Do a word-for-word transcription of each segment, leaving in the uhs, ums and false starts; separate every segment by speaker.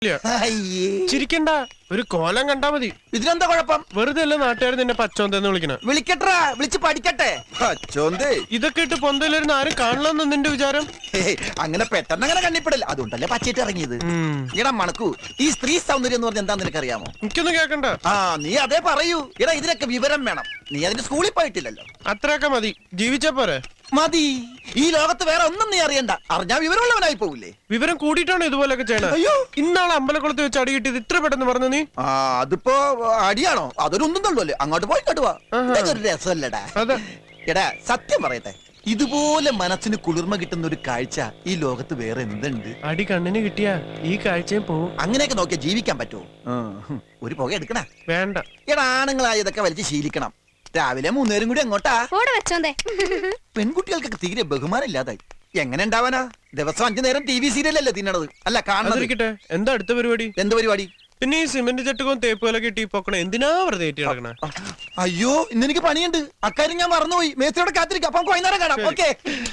Speaker 1: ചിരിക്കണ്ട, ഒരു കോലം കണ്ടാ മതി.
Speaker 2: ഇതിനെന്താ കുഴപ്പം?
Speaker 1: വെറുതെ അല്ല നാട്ടുകാർ നിന്നെ പച്ചോന്തെന്ന് വിളിക്കണ.
Speaker 2: വിളിക്കട്ടാ, വിളിച്ച് പഠിക്കട്ടെ.
Speaker 1: ഇതൊക്കെ ഇട്ട് പൊന്തയിലിരുന്ന് ആരും കാണണമെന്ന് നിന്റെ വിചാരം?
Speaker 2: അങ്ങനെ പെട്ടെന്ന് അങ്ങനെ കണ്ണിപ്പെടില്ല, അതുകൊണ്ടല്ലേ പച്ചയിട്ട് ഇറങ്ങിയത്. ഇടാ മണക്കൂ, ഈ സ്ത്രീ സൗന്ദര്യം എന്ന് പറഞ്ഞാൽ എന്താന്ന് നിനക്കറിയാമോ?
Speaker 1: എനിക്കൊന്നും കേക്കണ്ട.
Speaker 2: ആ നീ അതേ പറയൂ. ഇടാ ഇതിനൊക്കെ വിവരം വേണം. നീ അതിന്റെ സ്കൂളിൽ പോയിട്ടില്ലല്ലോ.
Speaker 1: അത്രയൊക്കെ മതി, ജീവിച്ചാ പോരെ?
Speaker 2: മതി. ഈ ലോകത്ത് വേറെ ഒന്നും നീ അറിയണ്ട. അറിഞ്ഞാ വിവരമുള്ളവനായി പോവില്ലേ?
Speaker 1: വിവരം കൂടിയിട്ടാണ് ഇതുപോലൊക്കെ ചെയ്യണത്.
Speaker 2: അയ്യോ,
Speaker 1: ഇന്നാളെ അമ്പലക്കുളത്ത് വെച്ച് അടി കിട്ടിയത് ഇത്ര പെട്ടെന്ന് പറഞ്ഞു നീ?
Speaker 2: ആ അതിപ്പോ അടിയാണോ? അതൊരു ഒന്നും തള്ളൂല്ലേ. അങ്ങോട്ട് പോയി കേട്ടുവാ. ഇതൊക്കെ ഒരു രസമല്ലടാ. എടാ സത്യം പറയട്ടെ, ഇതുപോലെ മനസ്സിന് കുളിർമ കിട്ടുന്ന ഒരു കാഴ്ച ഈ ലോകത്ത് വേറെ എന്തുണ്ട്?
Speaker 1: അടി കണ്ണിന് കിട്ടിയാ ഈ കാഴ്ചയും പോവും.
Speaker 2: അങ്ങനെയൊക്കെ നോക്കിയാ ജീവിക്കാൻ പറ്റുമോ? ഒരു പുക എടുക്കണ
Speaker 1: വേണ്ട.
Speaker 2: എടാ ആണുങ്ങളായ ഇതൊക്കെ വലിച്ച് ശീലിക്കണം. രാവിലെ മൂന്നേരും കൂടി എങ്ങോട്ടാ? പെൺകുട്ടികൾക്കൊക്കെ തീരെ ബഹുമാനം ഇല്ലാതായി. എങ്ങനെ ഉണ്ടാവാനാ? ദിവസം അഞ്ചു നേരം ടി വി സീരിയലല്ലേ തിന്നണത്? അല്ല കാണുന്നത്.
Speaker 1: എന്താ അടുത്ത പരിപാടി?
Speaker 2: എന്ത് പരിപാടി?
Speaker 1: പിന്നെ ഈ സിമന്റ് ചട്ടുകവും തേപ്പുകളൊക്കെ ഇട്ടി പൊക്കണ എന്തിനാ വെറുതെ നടക്കണ?
Speaker 2: അയ്യോ, ഇന്ന് എനിക്ക് പണിയുണ്ട്. അക്കാര്യം ഞാൻ മറന്നുപോയി. മേസ്ത്രിയോടെ കാത്തിരിക്കാം. അപ്പൊ വൈകുന്നേരം കാണാം. ഓക്കെ.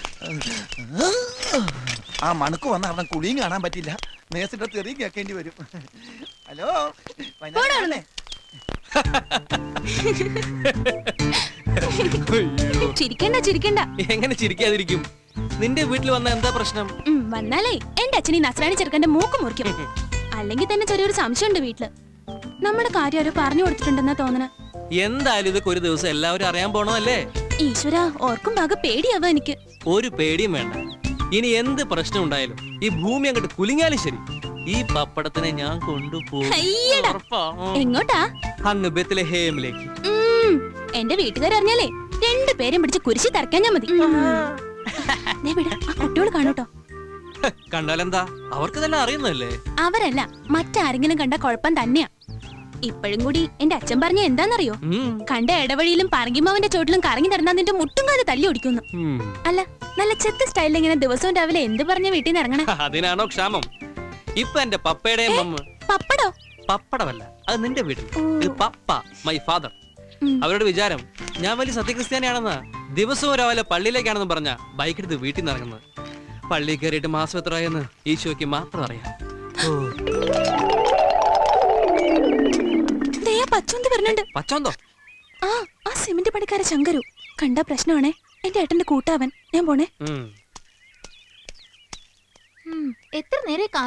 Speaker 2: ആ മണക്ക് വന്ന അവിടെ കുളിയും കാണാൻ പറ്റില്ല. മേസ്ത്രിയുടെ തെറിയും കേൾക്കേണ്ടി വരും. ഹലോ,
Speaker 3: ചിരിക്കണ്ട ചിരിക്കണ്ട.
Speaker 4: എങ്ങനെ ചിരിക്കാതിരിക്കും? നിന്റെ വീട്ടിൽ വന്ന എന്താ പ്രശ്നം?
Speaker 3: വന്നാലേ എന്റെ അച്ഛനീ നസ്രാണി ചെറുക്കന്റെ മൂക്ക് മുറിക്കും. അല്ലെങ്കിൽ തന്നെ ചെറിയൊരു സംശയമുണ്ട് വീട്ടില്. നമ്മുടെ കാര്യം ആരോ പറഞ്ഞു കൊടുത്തിട്ടുണ്ടെന്നാ തോന്നണ.
Speaker 4: എന്തായാലും ഇതൊക്കെ ഒരു ദിവസം എല്ലാവരും അറിയാൻ പോണതല്ലേ?
Speaker 3: ഈശ്വര, ഓർക്കും ഭാഗ പേടിയാവാ എനിക്ക്.
Speaker 4: ഒരു പേടിയും വേണ്ട. ഇനി എന്ത് പ്രശ്നം ഉണ്ടായാലും ഈ ഭൂമി അങ്ങോട്ട് കുലുങ്ങിയാലും ശരി, ഈ പപ്പടത്തിനെ ഞാൻ കൊണ്ടുപോകും.
Speaker 3: എങ്ങോട്ടാ?
Speaker 4: അങ്ങ് ബെത്ലഹേമിലേക്ക്.
Speaker 3: എന്റെ വീട്ടുകാരറിഞ്ഞാലേ രണ്ടു പേരും പിടിച്ച് കുരിശി തറക്കാൻ ഞാൻ മതി. കുട്ടികൾ കാണൂട്ടോ.
Speaker 4: കണ്ടാലെന്താ? അവർക്ക് തന്നെ അറിയുന്നല്ലേ?
Speaker 3: അവരല്ല, മറ്റാരെങ്കിലും കണ്ട കുഴപ്പം തന്നെയാ. ഇപ്പോഴും കൂടി എന്റെ അച്ഛൻ പറഞ്ഞ എന്താന്നറിയോ? കണ്ട ഇടവഴിയിലും പറങ്കിമാവിന്റെ ചോട്ടിലും കറങ്ങി നടന്നാ നിന്റെ മുട്ടും കാല് തല്ലി ഓടിക്കുന്നു. അല്ല, നല്ല ചെത്ത് സ്റ്റൈലിൽ ഇങ്ങനെ ദിവസവും രാവിലെ എന്ത് പറഞ്ഞ വീട്ടിൽ നിന്ന് ഇറങ്ങണ?
Speaker 4: അതിനാണോ ക്ഷാമം? ഇപ്പൊ എന്റെ പപ്പയുടെയും
Speaker 3: പപ്പടോ?
Speaker 4: പപ്പടമല്ല, അത് നിന്റെ വീട്ടിൽ. ഇത് പപ്പ, മൈ ഫാദർ. അവരുടെ വിചാരം ഞാൻ വലിയ സത്യക്രിസ്ത്യാനിയാണെന്ന്. ദിവസവും രാവിലെ പള്ളിയിലേക്കാണെന്ന് പറഞ്ഞ ബൈക്ക് എടുത്ത് വീട്ടിൽ നിന്ന് ഇറങ്ങുന്നത്. പള്ളി കയറിയിട്ട് മാസം എത്രയെന്ന് ഈശോയ്ക്ക് മാത്രം അറിയാം. പച്ചോന്തോ?
Speaker 3: ആ ആ സിമന്റ് പണിക്കാരെ ശങ്കരു കണ്ട പ്രശ്നമാണേ. എന്റെ ഏട്ടന്റെ കൂട്ടാവൻ. ഞാൻ പോണേ.
Speaker 5: എത്ര നേരെ